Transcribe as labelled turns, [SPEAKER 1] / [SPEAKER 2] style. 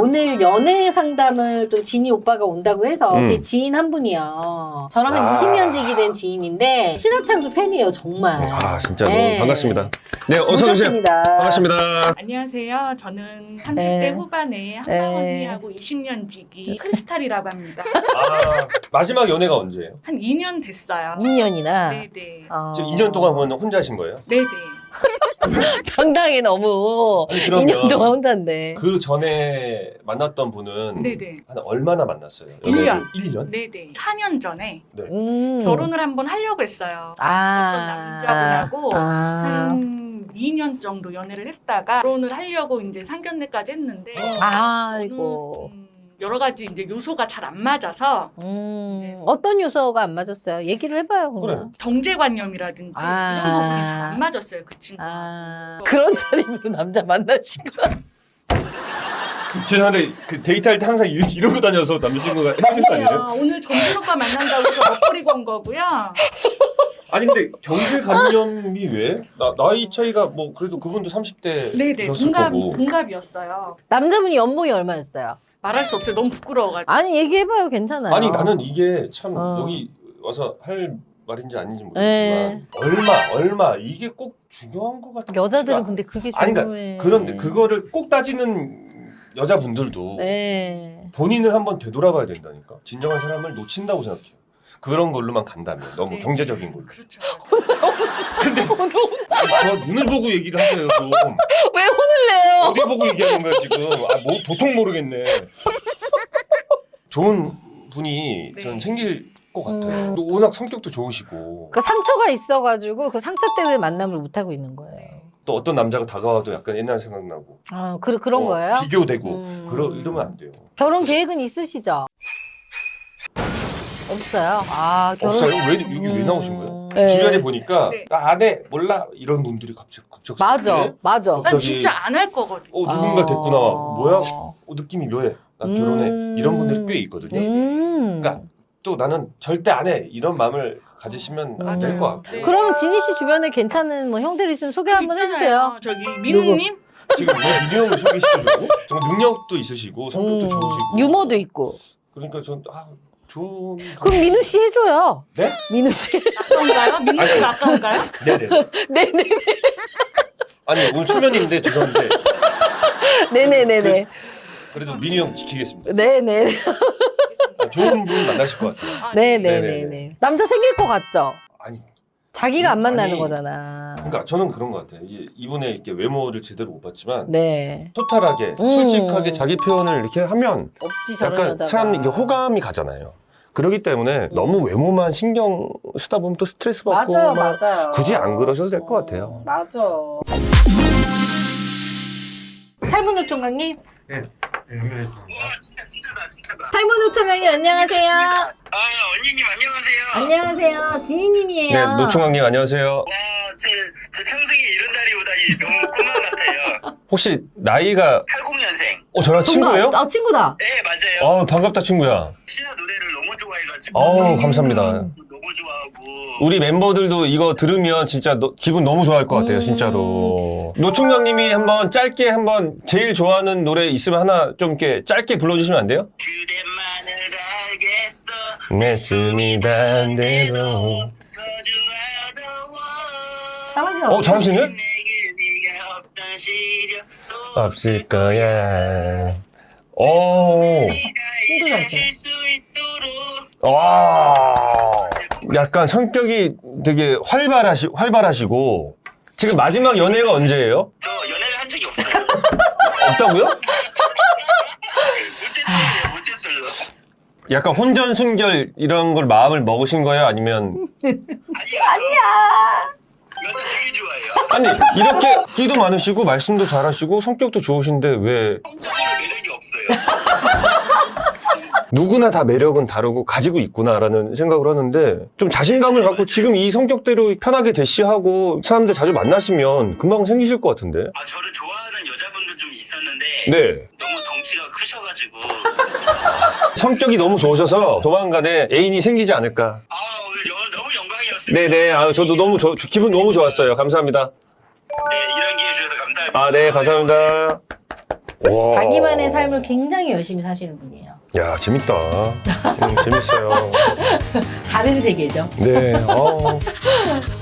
[SPEAKER 1] 오늘 연애 상담을 또 지니 오빠가 온다고 해서 제 지인 한 분이요. 저랑 한 20년 지기 된 지인인데 신화창수 팬이에요, 정말.
[SPEAKER 2] 아, 진짜
[SPEAKER 1] 네.
[SPEAKER 2] 너무 반갑습니다. 네, 어서 오세요.
[SPEAKER 1] 모셨습니다.
[SPEAKER 2] 반갑습니다.
[SPEAKER 3] 안녕하세요. 저는 30대
[SPEAKER 1] 네.
[SPEAKER 3] 후반에
[SPEAKER 1] 네.
[SPEAKER 3] 한강 언니하고 20년 지기 크리스탈이라고 합니다.
[SPEAKER 2] 아, 마지막 연애가 언제예요?
[SPEAKER 3] 한 2년 됐어요.
[SPEAKER 1] 2년이나.
[SPEAKER 3] 네네.
[SPEAKER 2] 지금 2년 동안 보면 혼자 하신 거예요?
[SPEAKER 3] 네네.
[SPEAKER 1] 당당히 너무
[SPEAKER 2] 아니, 그러면
[SPEAKER 1] 2년 동안 혼자인데.
[SPEAKER 2] 그 전에 만났던 분은
[SPEAKER 3] 네네.
[SPEAKER 2] 한 얼마나 만났어요?
[SPEAKER 3] 1년.
[SPEAKER 2] 1년?
[SPEAKER 3] 네네. 4년 전에
[SPEAKER 2] 네.
[SPEAKER 3] 결혼을 한번 하려고 했어요. 어떤
[SPEAKER 1] 아.
[SPEAKER 3] 남자분하고
[SPEAKER 1] 아.
[SPEAKER 3] 한 2년 정도 연애를 했다가 결혼을 하려고 이제 상견례까지 했는데
[SPEAKER 1] 아이고.
[SPEAKER 3] 여러 가지 이제 요소가 잘 안 맞아서
[SPEAKER 1] 어떤 요소가 안 맞았어요? 얘기를 해봐요. 그럼.
[SPEAKER 2] 그래.
[SPEAKER 3] 경제관념이라든지
[SPEAKER 1] 아.
[SPEAKER 3] 이런 부분이 잘 안 맞았어요, 그 친구.
[SPEAKER 1] 아, 그런 차림으로 남자 만나신 거야?
[SPEAKER 2] 죄송한데 그 데이트할 때 항상 이러고 다녀서 남자친구가 해주신 거 아니에요?
[SPEAKER 3] 오늘 정준 오빠 만난다고 해서 먹거리고 온 거고요.
[SPEAKER 2] 아니 근데 경제관념이 왜? 나이 차이가 뭐 그래도 그분도 30대였을
[SPEAKER 3] 네네,
[SPEAKER 2] 거고.
[SPEAKER 3] 동갑이었어요.
[SPEAKER 1] 남자분이 연봉이 얼마였어요?
[SPEAKER 3] 말할 수 없어요. 너무 부끄러워가지고.
[SPEAKER 1] 아니, 얘기해봐요. 괜찮아요.
[SPEAKER 2] 아니 나는 이게 참
[SPEAKER 1] 어.
[SPEAKER 2] 여기 와서 할 말인지 아닌지
[SPEAKER 1] 네.
[SPEAKER 2] 모르겠지만 얼마 이게 꼭 중요한 것 같아요.
[SPEAKER 1] 여자들은 근데 그게
[SPEAKER 2] 아니,
[SPEAKER 1] 중요해.
[SPEAKER 2] 그런데 그거를 꼭 따지는 여자분들도
[SPEAKER 1] 네.
[SPEAKER 2] 본인을 한번 되돌아봐야 된다니까. 진정한 사람을 놓친다고 생각해요. 그런 걸로만 간다면 너무
[SPEAKER 3] 네.
[SPEAKER 2] 경제적인 걸로.
[SPEAKER 3] 그렇죠.
[SPEAKER 2] 근데 저 눈을 보고 얘기를 하세요 좀.
[SPEAKER 1] 왜 혼을 내요?
[SPEAKER 2] 어디 보고 얘기하는 거야 지금? 뭐 도통 모르겠네. 좋은 분이
[SPEAKER 3] 네.
[SPEAKER 2] 전 생길 것 같아요. 또 워낙 성격도 좋으시고
[SPEAKER 1] 그 상처가 있어가지고 그 상처 때문에 만남을 못 하고 있는 거예요.
[SPEAKER 2] 또 어떤 남자가 다가와도 약간 옛날 생각나고
[SPEAKER 1] 아, 그런 거예요?
[SPEAKER 2] 비교되고 이러면 안 돼요.
[SPEAKER 1] 결혼 계획은 있으시죠? 없어요. 아, 결혼.
[SPEAKER 2] 없어요? 왜 여기 왜 나오신 거예요?
[SPEAKER 1] 네.
[SPEAKER 2] 주변에 보니까
[SPEAKER 3] 네.
[SPEAKER 2] 나 안 해 몰라 이런 분들이 갑자기
[SPEAKER 1] 맞아, 맞아.
[SPEAKER 3] 난
[SPEAKER 2] 갑자기-
[SPEAKER 3] 진짜 안 할 거거든.
[SPEAKER 2] 누군가 됐구나. 뭐야? 느낌이 묘해. 나 결혼해.
[SPEAKER 1] 음.
[SPEAKER 2] 이런 분들이 꽤 있거든요. 그러니까 또 나는 절대 안 해. 이런 마음을 가지시면 안 될 것 같고.
[SPEAKER 3] 네.
[SPEAKER 1] 그러면 지니 씨 주변에 괜찮은 뭐 형들 있으면 소개 한번 해주세요.
[SPEAKER 3] 저기 민우님?
[SPEAKER 2] 지금 왜 민우 형을 소개시켜주고 정말 능력도 있으시고 성격도 좋으시고
[SPEAKER 1] 유머도 있고.
[SPEAKER 2] 그러니까 전 좋은
[SPEAKER 1] 그럼 민우 씨 해줘요.
[SPEAKER 2] 네?
[SPEAKER 1] 민우 씨.
[SPEAKER 3] 아까운가요? 민우 씨가 아까운가요?
[SPEAKER 2] 네네.
[SPEAKER 1] 네네.
[SPEAKER 2] 아니 오늘 초면인데 죄송한데
[SPEAKER 1] 네네네네.
[SPEAKER 2] 그래도 민우 형 지키겠습니다.
[SPEAKER 1] 네네.
[SPEAKER 2] 좋은 분 만나실 것 같아요.
[SPEAKER 3] 아,
[SPEAKER 1] 네네네네. 남자 생길 것 같죠?
[SPEAKER 2] 아니
[SPEAKER 1] 자기가 안 만나는
[SPEAKER 2] 아니,
[SPEAKER 1] 거잖아.
[SPEAKER 2] 그러니까 저는 그런 것 같아요. 이제 이분의 이렇게 외모를 제대로 못 봤지만
[SPEAKER 1] 네.
[SPEAKER 2] 토탈하게 솔직하게 자기 표현을 이렇게 하면
[SPEAKER 1] 없지 저런
[SPEAKER 2] 약간
[SPEAKER 1] 여자가.
[SPEAKER 2] 사람 이게 호감이 가잖아요. 그렇기 때문에 너무 외모만 신경 쓰다 보면 또 스트레스 받고
[SPEAKER 1] 맞아요,
[SPEAKER 2] 막
[SPEAKER 1] 맞아요.
[SPEAKER 2] 굳이 안 그러셔도 될 것 같아요.
[SPEAKER 1] 맞아. 탈문호 총각님?
[SPEAKER 2] 연결했습니다.
[SPEAKER 4] 진짜다.
[SPEAKER 1] 탈문호 총각님 안녕하세요.
[SPEAKER 4] 언니님 안녕하세요.
[SPEAKER 1] 안녕하세요. 지니님이에요.
[SPEAKER 2] 네, 노총각님 안녕하세요.
[SPEAKER 4] 와, 제 평생에 이런 날이 오다니 너무 꿈만 같아요.
[SPEAKER 2] 혹시 나이가
[SPEAKER 4] 80년생.
[SPEAKER 2] 저랑 친구예요?
[SPEAKER 1] 아, 친구다.
[SPEAKER 4] 네, 맞아요.
[SPEAKER 2] 반갑다 친구야.
[SPEAKER 4] 신화 노래를 너무 좋아해가지고.
[SPEAKER 2] 감사합니다.
[SPEAKER 4] 너무 좋아하고.
[SPEAKER 2] 우리 멤버들도 이거 들으면 진짜 기분 너무 좋아할 것 같아요, 진짜로. 노총각님이 한번 짧게 한번 제일 좋아하는 노래 있으면 하나 좀 이렇게 짧게 불러주시면 안 돼요?
[SPEAKER 4] 그대만을 알겠어.
[SPEAKER 2] 내 숨이 단 대로.
[SPEAKER 1] 잘하죠?
[SPEAKER 2] 잘하시네?
[SPEAKER 4] 내게 네가 없던 시련도
[SPEAKER 2] 없을 거야.
[SPEAKER 1] 친구 잘지.
[SPEAKER 4] 수 있도록.
[SPEAKER 2] 와. 약간 성격이 되게 활발하시고. 지금 마지막 연애가 언제예요?
[SPEAKER 4] 저 연애를 한 적이 없어요.
[SPEAKER 2] 없다고요?
[SPEAKER 4] 못했어요.
[SPEAKER 2] 약간 혼전순결 이런 걸 마음을 먹으신 거예요? 아니면
[SPEAKER 4] 아니야. 여자 되게 좋아해요.
[SPEAKER 2] 아니 이렇게 끼도 많으시고 말씀도 잘하시고 성격도 좋으신데 왜
[SPEAKER 4] 성적으로 매력이 없어요.
[SPEAKER 2] 누구나 다 매력은 다르고 가지고 있구나라는 생각을 하는데 좀 자신감을 갖고 지금 이 성격대로 편하게 대시하고 사람들 자주 만나시면 금방 생기실 것 같은데.
[SPEAKER 4] 저를 좋아하는 여자분들 좀 있었는데
[SPEAKER 2] 네.
[SPEAKER 4] 너무 덩치가 크셔가지고
[SPEAKER 2] 성격이 너무 좋으셔서 조만간에 애인이 생기지 않을까.
[SPEAKER 4] 오늘 너무 영광이었습니다.
[SPEAKER 2] 네네. 저도 너무 기분 너무 좋았어요. 감사합니다.
[SPEAKER 4] 네, 이런 기회 주셔서 감사합니다.
[SPEAKER 2] 네, 감사합니다. 와.
[SPEAKER 1] 자기만의 삶을 굉장히 열심히 사시는 분이에요.
[SPEAKER 2] 야, 재밌다. 재밌어요.
[SPEAKER 1] 다른 세계죠.
[SPEAKER 2] 네.